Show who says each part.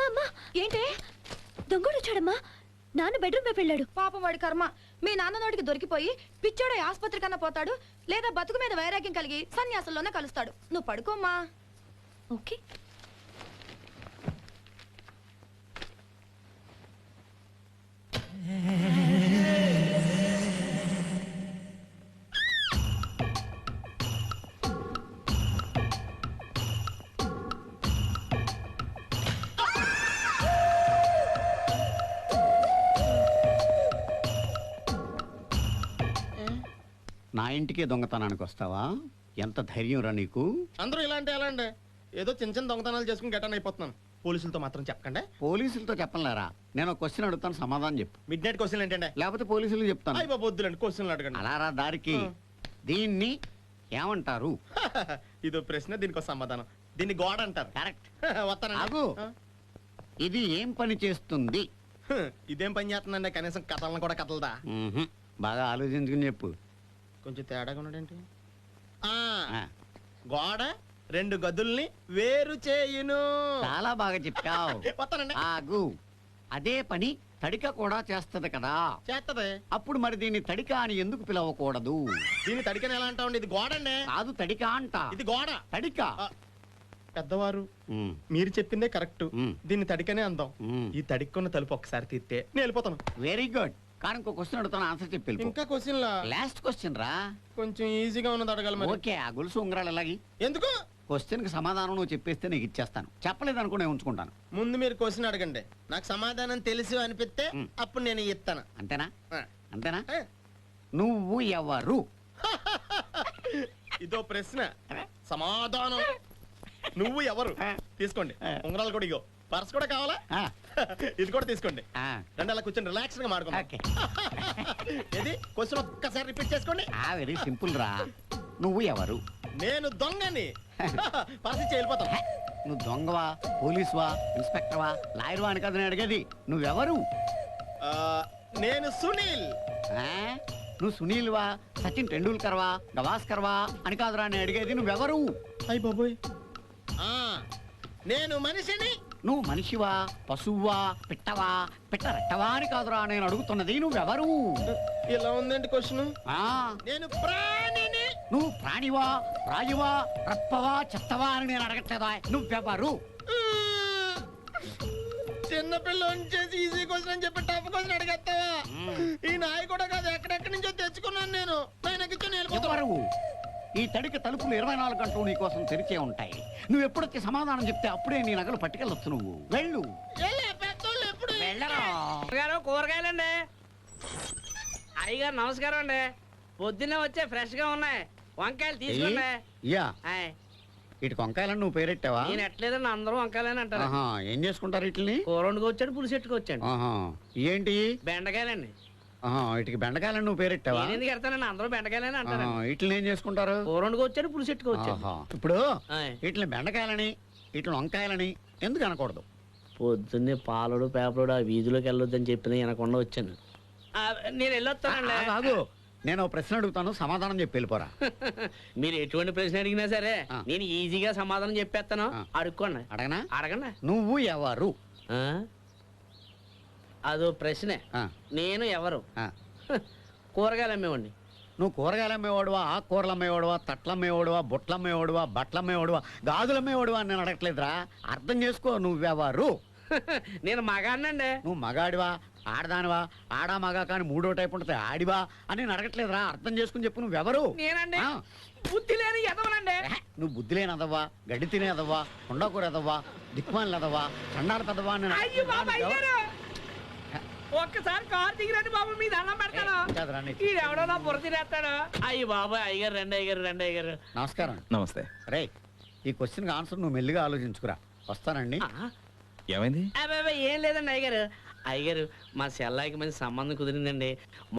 Speaker 1: అమ్మా ఏంటే దొంగడు వచ్చాడమ్మా నాన్న బెడ్రూమ్ వైపు వెళ్ళాడు.
Speaker 2: పాపం వాడి కర్మ. మీ నాన్న నోటికి దొరికిపోయి పిచ్చోడు ఆసుపత్రి కన్నా పోతాడు, లేదా బతుకు మీద వైరాగ్యం కలిగి సన్యాసంలోనే కలుస్తాడు. నువ్వు పడుకోమ్మా.
Speaker 1: ఓకే.
Speaker 3: నా ఇంటికే దొంగతనానికి వస్తావా? ఎంత ధైర్యం రా నీకు?
Speaker 4: అందరూ ఇలాంటి ఎలా అండి, ఏదో చిన్న చిన్న దొంగతనాలు చేసుకుని గెటన్ అయిపోతున్నాను. పోలీసులతో మాత్రం చెప్పకండి.
Speaker 3: పోలీసులతో చెప్పలేరా? నేను క్వశ్చన్ అడుగుతాను, సమాధానం చెప్పు.
Speaker 4: మిడ్ నైట్ క్వశ్చన్ ఏంటంటే?
Speaker 3: లేకపోతే పోలీసులు చెప్తాను.
Speaker 4: అయ్యి బాబు వద్దులండి, క్వశ్చన్లు అడగండి.
Speaker 3: అలా రా దారికి. దీన్ని ఏమంటారు?
Speaker 4: ఇదో ప్రశ్న, దీనికి సమాధానం. దీన్ని గోడ అంటారు.
Speaker 3: కరెక్ట్.
Speaker 4: వస్తాను.
Speaker 3: ఇది ఏం పని చేస్తుంది?
Speaker 4: ఇదేం పని చేస్తుందండి? కనీసం కథలను కూడా కథలదా?
Speaker 3: బాగా ఆలోచించుకుని చెప్పు.
Speaker 4: కొంచెం తేడాగా ఉన్నాడేంటి? గోడ రెండు గదుల్ని వేరు చేయును.
Speaker 3: చాలా బాగా చెప్పావు.
Speaker 4: వస్తానండి.
Speaker 3: ఆగు. అదే పని తడిక కూడా చేస్తది కదా?
Speaker 4: చేస్తది.
Speaker 3: అప్పుడు మరి దీన్ని తడిక అని ఎందుకు పిలవకూడదు?
Speaker 4: దీన్ని తడికని ఎలా అంటావు? ఇది గోడ అండి.
Speaker 3: కాదు, తడిక అంట.
Speaker 4: ఇది గోడ.
Speaker 3: తడిక.
Speaker 4: పెద్దవారు మీరు చెప్పిందే కరెక్ట్. దీన్ని తడికనే అందాం. ఈ తడిక్కున్న తలుపు ఒకసారి తీస్తే నేను వెళ్ళిపోతాను.
Speaker 3: Very good. కానీ ఇంకో క్వశ్చన్ అడుగుతాను, ఆన్సర్ చెప్పి.
Speaker 4: ఇంకా క్వశ్చన్
Speaker 3: లాస్ట్ క్వశ్చన్ రా.
Speaker 4: కొంచెం ఈజీగా ఉన్నది అడగాలి.
Speaker 3: ఓకే. ఆ గొలుసు ఉంగరాలు ఎలాగి?
Speaker 4: ఎందుకు?
Speaker 3: క్వశ్చన్ కి సమాధానం నువ్వు చెప్పేస్తే నీకు ఇచ్చేస్తాను. చెప్పలేదు అనుకో నేను ఉంచుకుంటాను.
Speaker 4: ముందు మీరు క్వశ్చన్ అడగండి, నాకు సమాధానం తెలుసు అనిపిస్తే అప్పుడు నేను ఇస్తాను.
Speaker 3: అంతేనా? అంతేనా? నువ్వు ఎవరు?
Speaker 4: ఇదో ప్రశ్న, సమాధానం నువ్వు ఎవరు. తీసుకోండి ఉంగరాలు కూడా. ఇగో పర్స్ కూడా కావాలా? ఇది కూడా తీసుకోండి. రెండు అలా కూర్చొని రిలాక్స్ గా మాట్లాడుకుందాం. ఇది క్వశ్చన్ ఒక్కసారి రిపీట్ చేసుకోండి.
Speaker 3: వెరీ సింపుల్ రా. నువ్వు ఎవరు?
Speaker 4: నేను దొంగని. పర్స్ ఇచ్చి వెళ్ళిపోతాం.
Speaker 3: నువ్వు దొంగవా, పోలీసువా, ఇన్స్పెక్టర్వా, లాయర్వా అని కదా నేను అడిగేది. నువ్వెవరు?
Speaker 4: నేను సునీల్.
Speaker 3: నువ్వు సునీల్వా, సచిన్ టెండూల్కర్వా, గవాస్కర్వా అని కాదురా నేను అడిగేది. నువ్వెవరు?
Speaker 4: అయ్య బాబోయ్, నేను మనిషిని.
Speaker 3: నువ్వు మనిషివా, పశువువా, పిట్టవా, పిట్టరెట్టవా అని కాదురా నేను అడుగుతున్నది. నువ్వెవరు?
Speaker 4: ఇలా ఉందండి క్వశ్చన్. నేను ప్రాణిని.
Speaker 3: నువ్వు ప్రాణివా, రాయువా, రప్పవా, చెత్తవా అని నేను అడగట్లేదా. నువ్వెవరు?
Speaker 4: చిన్నపిల్లని చేసి ఈజీ క్వశ్చన్ అని చెప్పి టఫ్ క్వశ్చన్ అడిగేస్తావా? ఈ నాయ కూడా కాదు, ఎక్కడెక్కడి నుంచో తెచ్చుకున్నాను నేను.
Speaker 3: ఎవరు? ఈ తడికి తలుపులు 24 గంటలు నీ కోసం తెరిచే ఉంటాయి. నువ్వు ఎప్పుడొచ్చి సమాధానం చెప్తే అప్పుడే నీ నగలు పట్టుకెళ్ళొచ్చు. నువ్వు వెళ్ళు.
Speaker 5: కూరగాయలండి. అయ్యగారు నమస్కారం అండి. పొద్దున్నే వచ్చే ఫ్రెష్ గా ఉన్నాయి వంకాయలు తీసుకోండి.
Speaker 3: ఇటు వంకాయలని నువ్వు పేరెట్టావా?
Speaker 5: నేను ఎట్లేదండి, అందరూ వంకాయలని అంటారు.
Speaker 3: ఏం చేసుకుంటారు వీటిని?
Speaker 5: కూర వండుకొచ్చాడు, పులుసు ఎట్టుకొచ్చాడు.
Speaker 3: ఏంటి?
Speaker 5: బెండకాయలండి.
Speaker 3: వీటికి బెండకాయలని నువ్వు పేరెట్టావా?
Speaker 5: నేను ఎందుకు ఎడతానండి, అందరూ బెండకాయలని అంటారు.
Speaker 3: వీటిని ఏం చేసుకుంటారు?
Speaker 5: కూర వండుకొచ్చాడు, పులుసు ఎట్టుకొచ్చాడు.
Speaker 3: ఇప్పుడు వీటిని బెండకాయలని వీటిని వంకాయలని ఎందుకు అనకూడదు?
Speaker 5: పొద్దున్నే పాలడు పేపరుడు ఆ వీధిలోకి వెళ్ళొద్దని చెప్పిన వెనకుండా వచ్చాను. నేను వెళ్ళొస్తానండి.
Speaker 3: కాదు, నేను ప్రశ్న అడుగుతాను, సమాధానం చెప్పి వెళ్ళిపోరా.
Speaker 5: మీరు ఎటువంటి ప్రశ్న అడిగినా సరే నేను ఈజీగా సమాధానం చెప్పేస్తాను. అడుక్కోండి.
Speaker 3: అడగనా?
Speaker 5: అడగండి.
Speaker 3: నువ్వు ఎవరు?
Speaker 5: అదో ప్రశ్నే. నేను ఎవరు? కూరగాయలు అమ్మేవాడిని.
Speaker 3: నువ్వు కూరగాయలు అమ్మేవాడువా, ఆకుకూరలు అమ్మేవాడువా, తట్ల అమ్మేవాడువా, బొట్ల అమ్మేవాడువా, బట్టలు అమ్మేవాడువా, గాజులు అమ్మేవాడువా అని నేను అడగట్లేదురా. అర్థం చేసుకో, నువ్వెవరు?
Speaker 5: నేను మగాడినండి.
Speaker 3: నువ్వు మగాడివా, ఆడదానివా, ఆడా మగా కానీ మూడో టైప్ ఉంటుంది, ఆడివా అని నేను అడగట్లేదురా. అర్థం చేసుకుని చెప్పు, నువ్వెవరు?
Speaker 5: నేనండి బుద్ధి లేని ఎదవనండి.
Speaker 3: నువ్వు బుద్ధి లేని ఎదవ్వా, గడ్డి తినే ఎదవ్వా, కొండకూర ఎదవ్వా, దిక్కుమాలి ఎదవ్వా, చండాల పెద్దవా అని
Speaker 5: ఒక్కసారి కారు దిగిరండి బాబు, మీ దండం పెడతాను. ఎవడో నా బుర్ర తినేస్తాడు. అయ్యి బాబు, అయ్యగారు రండి, అయ్యగారు రండి. అయ్యగారు
Speaker 3: నమస్కారం.
Speaker 6: నమస్తే.
Speaker 3: రే, ఈ క్వశ్చన్ ఆన్సర్ నువ్వు మెల్లిగా ఆలోచించుకురా. వస్తానండి.
Speaker 6: ఏమైంది?
Speaker 5: ఏం లేదండి అయ్యగారు. అయ్యగారు, మా సెల్లాయికి మంచి సంబంధం కుదిరిందండి.